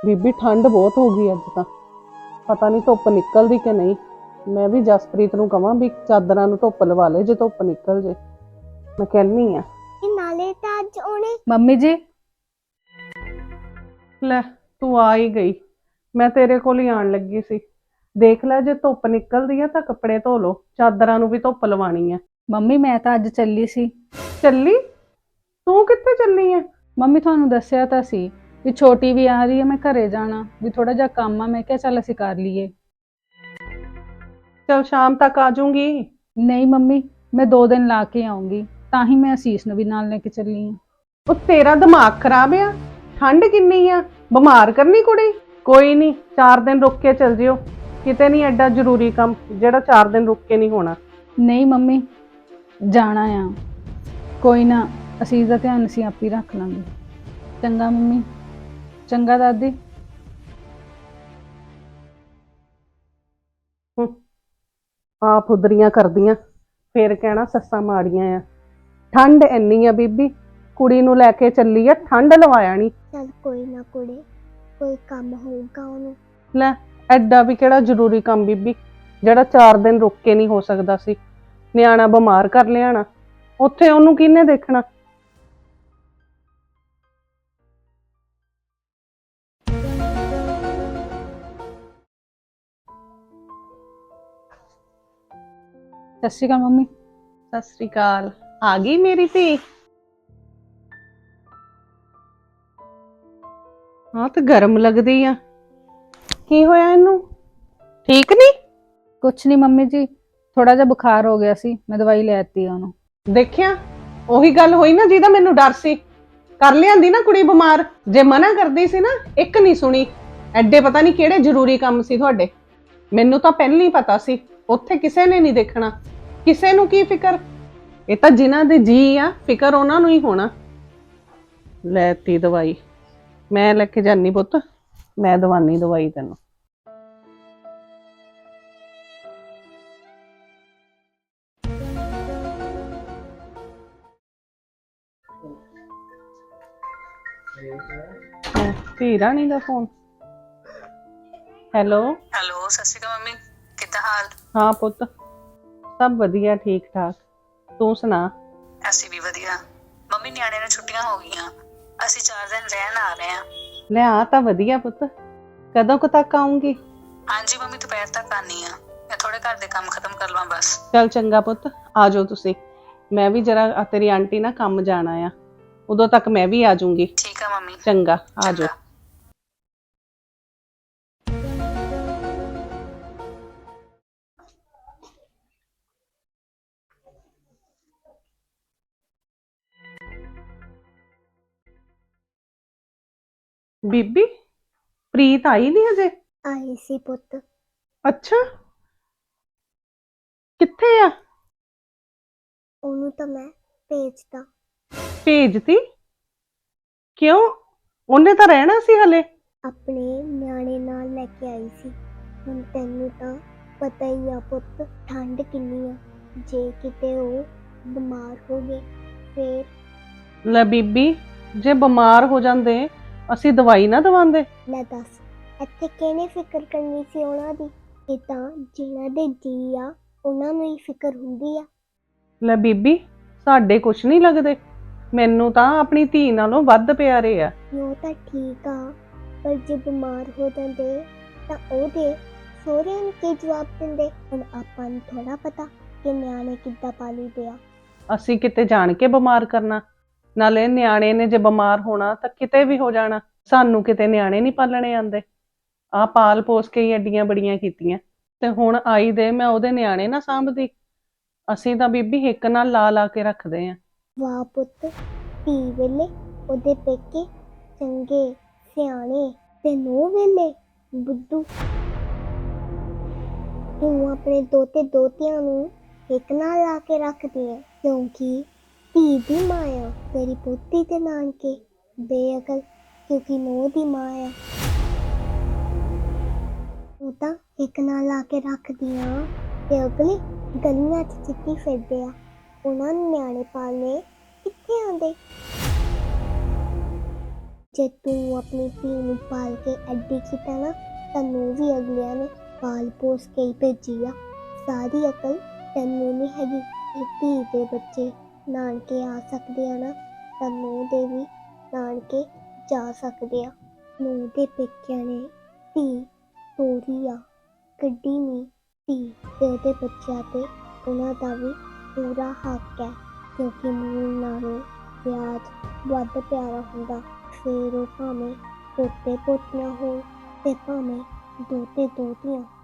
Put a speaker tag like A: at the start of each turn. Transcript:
A: ਬੀਬੀ ਠੰਡ ਬਹੁਤ ਹੋ ਗਈ ਅੱਜ ਤਾਂ। ਪਤਾ ਨਹੀਂ ਧੁੱਪ ਨਿਕਲਦੀ ਕਿ ਨਹੀਂ। ਮੈਂ ਵੀ ਜਸਪ੍ਰੀਤ ਨੂੰ ਕਹਾਂ ਵੀ ਚਾਦਰਾਂ ਨੂੰ ਧੁੱਪ ਲਵਾ ਲੈ ਜੇ ਧੁੱਪ ਨਿਕਲ ਜੇ। ਮੈਂ ਕਹਿੰਨੀ ਆ।
B: ਨਾਲੇ ਤਾਂ ਅੱਜ ਉਹਨੇ
C: ਮੰਮੀ ਜੀ
A: ਲੈ ਤੂੰ ਆ ਹੀ ਗਈ। ਮੈਂ ਤੇਰੇ ਕੋਲ ਹੀ ਆਣ ਲੱਗੀ ਸੀ। ਦੇਖ ਲੈ ਜੇ ਧੁੱਪ ਨਿਕਲਦੀ ਆ ਤਾਂ ਕੱਪੜੇ ਧੋ ਲੋ, ਚਾਦਰਾਂ ਨੂੰ ਵੀ ਧੁੱਪ ਲਵਾਣੀ ਆ।
C: ਮੰਮੀ ਮੈਂ ਤਾਂ ਅੱਜ ਚੱਲੀ ਸੀ।
A: ਚੱਲੀ? ਤੂੰ ਕਿੱਥੇ ਚੱਲੀ ਆ?
C: ਮੰਮੀ ਤੁਹਾਨੂੰ ਦੱਸਿਆ ਤਾਂ ਸੀ ਵੀ ਛੋਟੀ ਵੀ ਆ ਰਹੀ ਹੈ, ਮੈਂ ਘਰੇ ਜਾਣਾ ਵੀ ਥੋੜਾ ਜਿਹਾ ਕੰਮ ਆ, ਮੈਂ ਕਿਹਾ ਚੱਲ ਅਸੀਂ ਕਰ ਲਈਏ।
A: ਚਲ ਸ਼ਾਮ ਤੱਕ ਆ ਜਾਊਂਗੀ।
C: ਨਹੀਂ ਮੰਮੀ, ਮੈਂ 2 ਦਿਨ ਲਾ ਕੇ ਆਉਂਗੀ, ਤਾਂ ਹੀ ਮੈਂ ਅਸੀਸ ਨੂੰ ਵੀ ਨਾਲ ਲੈ ਕੇ ਚੱਲੀ ਹਾਂ।
A: ਉਹ ਤੇਰਾ ਦਿਮਾਗ ਖਰਾਬ ਆ। ਠੰਡ ਕਿੰਨੀ ਆ, ਬਿਮਾਰ ਕਰਨੀ ਕੁੜੀ। ਕੋਈ ਨਹੀਂ 4 ਦਿਨ ਰੁਕ ਕੇ ਚੱਲ ਜਿਓ। ਕਿਤੇ ਨਹੀਂ ਐਡਾ ਜ਼ਰੂਰੀ ਕੰਮ ਜਿਹੜਾ 4 ਦਿਨ ਰੁਕ ਕੇ ਨਹੀਂ ਹੋਣਾ।
C: ਨਹੀਂ ਮੰਮੀ ਜਾਣਾ ਆ, ਕੋਈ ਨਾ ਅਸੀਸ ਦਾ ਧਿਆਨ ਅਸੀਂ ਆਪ ਹੀ ਰੱਖ ਲਾਂਗੇ। ਚੰਗਾ ਮੰਮੀ। ਚੰਗਾ ਦਾਦੀ।
A: ਆਪ ਉਦਰੀਆਂ ਕਰਦੀਆਂ ਫੇਰ ਕਹਿਣਾ ਸੱਸਾਂ ਮਾੜੀਆਂ ਆ। ਠੰਡ ਇੰਨੀ ਆ ਬੀਬੀ, ਕੁੜੀ ਨੂੰ ਲੈ ਕੇ ਚੱਲੀ ਆ, ਠੰਡ ਲਵਾਇਆ ਨਹੀਂ।
B: ਚੱਲ ਕੋਈ ਨਾ ਕੁੜੇ, ਕੋਈ ਕੰਮ ਹੋਊਗਾ ਉਹਨੂੰ।
A: ਲੈ ਐਡਾ ਵੀ ਕਿਹੜਾ ਜ਼ਰੂਰੀ ਕੰਮ ਬੀਬੀ ਜਿਹੜਾ 4 ਦਿਨ ਰੁਕ ਕੇ ਨਹੀਂ ਹੋ ਸਕਦਾ ਸੀ। ਨਿਆਣਾ ਬਿਮਾਰ ਕਰ ਲਿਆਣਾ, ਉੱਥੇ ਉਹਨੂੰ ਕਿਹਨੇ ਦੇਖਣਾ।
C: ਸਤਿ ਸ਼੍ਰੀ ਅਕਾਲ ਮੰਮੀ।
A: ਸਤਿ ਸ੍ਰੀ ਅਕਾਲ। ਆ ਗਈ ਮੇਰੀ ਧੀ? ਹਾਂ ਤੇ ਗਰਮ ਲੱਗਦੀ ਆ। ਕੀ ਹੋਇਆ ਇਹਨੂੰ? ਠੀਕ ਨਹੀਂ?
C: ਕੁਛ ਨਹੀਂ ਮੰਮੀ ਜੀ, ਥੋੜਾ ਜਿਹਾ ਬੁਖਾਰ ਹੋ ਗਿਆ ਸੀ, ਮੈਂ ਦਵਾਈ ਲੈ ਦਿੱਤੀ ਆ ਉਹਨੂੰ।
A: ਦੇਖਿਆ, ਉਹੀ ਗੱਲ ਹੋਈ ਨਾ ਜਿਹਦਾ ਮੈਨੂੰ ਡਰ ਸੀ। ਕਰ ਲਿਆਂਦੀ ਨਾ ਕੁੜੀ ਬਿਮਾਰ। ਜੇ ਮਨਾ ਕਰਦੀ ਸੀ ਨਾ, ਇੱਕ ਨਹੀਂ ਸੁਣੀ। ਐਡੇ ਪਤਾ ਨਹੀਂ ਕਿਹੜੇ ਜ਼ਰੂਰੀ ਕੰਮ ਸੀ ਤੁਹਾਡੇ। ਮੈਨੂੰ ਤਾਂ ਪਹਿਲਾਂ ਹੀ ਪਤਾ ਸੀ ਉੱਥੇ ਕਿਸੇ ਨੇ ਨਹੀਂ ਦੇਖਣਾ। ਕਿਸੇ ਨੂੰ ਕੀ ਫਿਕਰ? ਇਹ ਤਾਂ ਜਿਨ੍ਹਾਂ ਦੇ ਜੀ ਆ, ਫਿਕਰ ਉਹਨਾਂ ਨੂੰ ਹੀ ਹੋਣਾ। ਲੈਤੀ ਦਵਾਈ। ਮੈਂ ਲੈ ਕੇ ਜਾਨੀ ਪੁੱਤ, ਮੈਂ ਦਵਾਨੀ ਦਵਾਈ ਤੈਨੂੰ। ਧੀ ਰਾਣੀ ਦਾ ਫੋਨ। ਹੈਲੋ।
D: ਹੈਲੋ, ਸਤਿ ਸ਼੍ਰੀ ਅਕਾਲ ਮੰਮੀ, ਕਿੱਦਾਂ ਹਾਲ?
A: ਹਾਂ ਪੁੱਤ, ਸਭ ਵਧੀਆ ਠੀਕ ਠਾਕ। ਤੂੰ ਸੁਣਾ?
D: ਅਸੀਂ ਵੀ ਵਧੀਆ। ਮੰਮੀ ਨਿਆਣੇ ਨੂੰ ਛੁੱਟੀਆਂ ਹੋ ਗਈਆਂ, ਅਸੀਂ 4 ਦਿਨ ਰਹਿਣ ਆ ਰਹੇ ਹਾਂ।
A: ਲੈ ਆ ਤਾਂ ਵਧੀਆ ਪੁੱਤ। ਕਦੋਂ ਕੁ ਤੱਕ ਆਉਂਗੀ?
D: ਹਾਂਜੀ ਮੰਮੀ, ਦੁਪਹਿਰ ਤੱਕ ਆਨੀ ਆ। ਮੈਂ ਥੋੜੇ ਘਰ ਦੇ ਕੰਮ ਖਤਮ ਕਰ ਲਵਾਂ ਬਸ।
A: ਚੱਲ ਚੰਗਾ ਪੁੱਤ, ਆ ਜਾਓ ਤੁਸੀਂ। ਮੈਂ ਵੀ ਜਰਾ ਤੇਰੀ ਆਂਟੀ ਨਾਲ ਕੰਮ ਜਾਣਾ ਆ, ਉਦੋਂ ਤੱਕ ਮੈਂ ਵੀ ਆ ਜਾਊਂਗੀ।
D: ਠੀਕ ਆ ਮੰਮੀ।
A: ਚੰਗਾ, ਆ ਜਾਓ।
D: ਚੰਗਾ।
A: ਬੀਬੀ, ਪ੍ਰੀਤ ਆਈ ਨਹੀਂ ਅਜੇ?
B: ਆਈ ਸੀ ਪੁੱਤ।
A: ਅੱਛਾ, ਕਿੱਥੇ ਆ?
B: ਉਹਨੂੰ ਤਾਂ ਮੈਂ ਭੇਜਦਾ।
A: ਭੇਜਤੀ? ਕਿਉਂ? ਉਹਨੇ ਤਾਂ ਰਹਿਣਾ ਸੀ ਹਲੇ।
B: ਆਪਣੇ ਨਿਆਣੇ ਨਾਲ ਲੈ ਕੇ ਆਈ ਸੀ। ਹੁਣ ਤੈਨੂੰ ਤਾਂ ਪਤਾ ਹੀ ਆ ਪੁੱਤ, ਠੰਡ ਕਿੰਨੀ ਆ। ਜੇ ਕਿਤੇ ਉਹ ਬਿਮਾਰ ਹੋ ਗਏ ਫੇਰ।
A: ਲੈ ਬੀਬੀ, ਜੇ ਬਿਮਾਰ ਹੋ ਜਾਂਦੇ ਅਸੀਂ ਦਵਾਈ ਨਾ ਦਵਾਉਂਦੇ?
B: ਲੈ ਦੱਸ, ਇੱਥੇ ਕਿਹਨੇ ਫਿਕਰ ਕਰਨੀ ਸੀ ਉਹਨਾਂ ਦੀ? ਇਹ ਤਾਂ ਜਿਹਨਾਂ ਦੇ ਜੀ ਆ ਉਹਨਾਂ ਨੂੰ ਹੀ ਫਿਕਰ ਹੁੰਦੀ ਆ।
A: ਲੈ ਬੀਬੀ, ਸਾਡੇ ਕੁਛ ਨਹੀਂ ਲੱਗਦੇ। ਮੈਨੂੰ ਤਾਂ ਆਪਣੀ ਧੀ ਨਾਲੋਂ ਵੱਧ ਪਿਆਰੇ ਆ।
B: ਉਹ ਤਾਂ ਠੀਕ ਆ, ਪਰ ਜੇ ਬਿਮਾਰ ਹੋ ਜਾਂਦੇ ਤਾਂ ਉਹਦੇ ਸਹੁਰਿਆਂ ਨੂੰ ਕੀ ਜਵਾਬ ਦਿੰਦੇ? ਹੁਣ ਆਪਾਂ ਨੂੰ ਥੋੜਾ ਪਤਾ ਕਿ ਨਿਆਣੇ ਕਿੱਦਾਂ ਪਾਲੀਦੇ ਆ।
A: ਅਸੀਂ ਕਿਤੇ ਜਾਣ ਕੇ ਬਿਮਾਰ ਕਰਨਾ? ਨਾਲੇ ਨਿਆਣੇ ਨੇ ਜੇ ਬਿਮਾਰ ਹੋਣਾ ਤਾਂ ਕਿਤੇ ਵੀ ਹੋ ਜਾਣਾ। ਸਾਨੂੰ ਕਿਤੇ ਨਿਆਣੇ ਨਹੀਂ ਪਾਲਣੇ ਆਉਂਦੇ। ਆਹ ਪਾਲ ਪੋਸ ਕੇ ਹੀ ਐਡੀਆਂ ਬੜੀਆਂ ਕੀਤੀਆਂ, ਤੇ ਹੁਣ ਆਈ ਦੇ ਮੈਂ ਉਹਦੇ ਨਿਆਣੇ ਨਾ ਸਾਂਭਦੀ। ਅਸੀਂ ਤਾਂ ਬੀਬੀ ਹਿੱਕ ਨਾਲ ਲਾ ਲਾ ਕੇ ਰੱਖਦੇ ਆਂ।
B: ਵਾਹ ਪੁੱਤ, ਧੀ ਵੇਲੇ ਉਹਦੇ ਪੇਕੇ ਚੰਗੇ ਸਿਆਣੇ ਤੇ ਨੂੰਹ ਵੇਲੇ ਬੁੱਧੂ। ਤੂੰ ਆਪਣੇ ਦੋਤੇ ਦੋਤਿਆਂ ਨੂੰ ਇੱਕ ਨਾਲ ਲਾ ਕੇ ਰੱਖਦੀ ਹੈ ਕਿਉਂਕਿ ਧੀ ਦੀ ਮਾਂ ਆ। ਤੇਰੀ ਪੋਤੀ ਤੇ ਨਾਨਕੇ ਬੇਅਕਲ ਕਿਉਂਕਿ ਨੂੰਹ ਦੀ ਮਾਂ ਆ। ਤੂੰ ਤਾਂ ਇੱਕ ਨਾਲ ਲਾ ਕੇ ਰੱਖਦੀ ਆ ਤੇ ਅਗਲੇ ਗਲੀਆਂ 'ਚ ਚਿੱਟੀ ਫਿਰਦੇ ਆ। ਉਹਨਾਂ ਨੂੰ ਨਿਆਣੇ ਪਾਲਣੇ ਕਿੱਥੇ ਆਉਂਦੇ? ਜੇ ਤੂੰ ਆਪਣੀ ਧੀ ਨੂੰ ਪਾਲ ਕੇ ਐਡੀ ਕੀਤਾ ਨਾ, ਤੈਨੂੰ ਵੀ ਅਗਲਿਆਂ ਨੇ ਪਾਲ ਪੋਸ ਕੇ ਹੀ ਭੇਜੀ ਆ। ਸਾਰੀ ਅਕਲ ਤੈਨੂੰ ਨਹੀਂ ਹੈਗੀ। ਇਹ ਧੀ ਦੇ ਬੱਚੇ ਨਾਨਕੇ ਆ ਸਕਦੇ ਆ ਨਾ, ਤਾਂ ਨੂੰਹ ਦੇ ਵੀ ਨਾਨਕੇ ਜਾ ਸਕਦੇ ਆ। ਨੂੰਹ ਦੇ ਪੇਕਿਆਂ ਨੇ ਧੀ ਤੋਰੀ ਆ, ਕੱਢੀ ਨਹੀਂ ਧੀ, ਤੇ ਉਹਦੇ ਬੱਚਿਆਂ ਤੇ ਉਹਨਾਂ ਦਾ ਵੀ ਪੂਰਾ ਹੱਕ ਹੈ, ਕਿਉਂਕਿ ਨੂੰਹ ਨਾਲੋਂ ਵਿਆਹ ਵੱਧ ਪਿਆਰਾ ਹੁੰਦਾ। ਫਿਰ ਉਹ ਭਾਵੇਂ ਪੋਤੇ ਪੋਤੀਆਂ ਹੋਣ ਤੇ ਭਾਵੇਂ ਦੋਤੇ ਦੋਤੀਆਂ।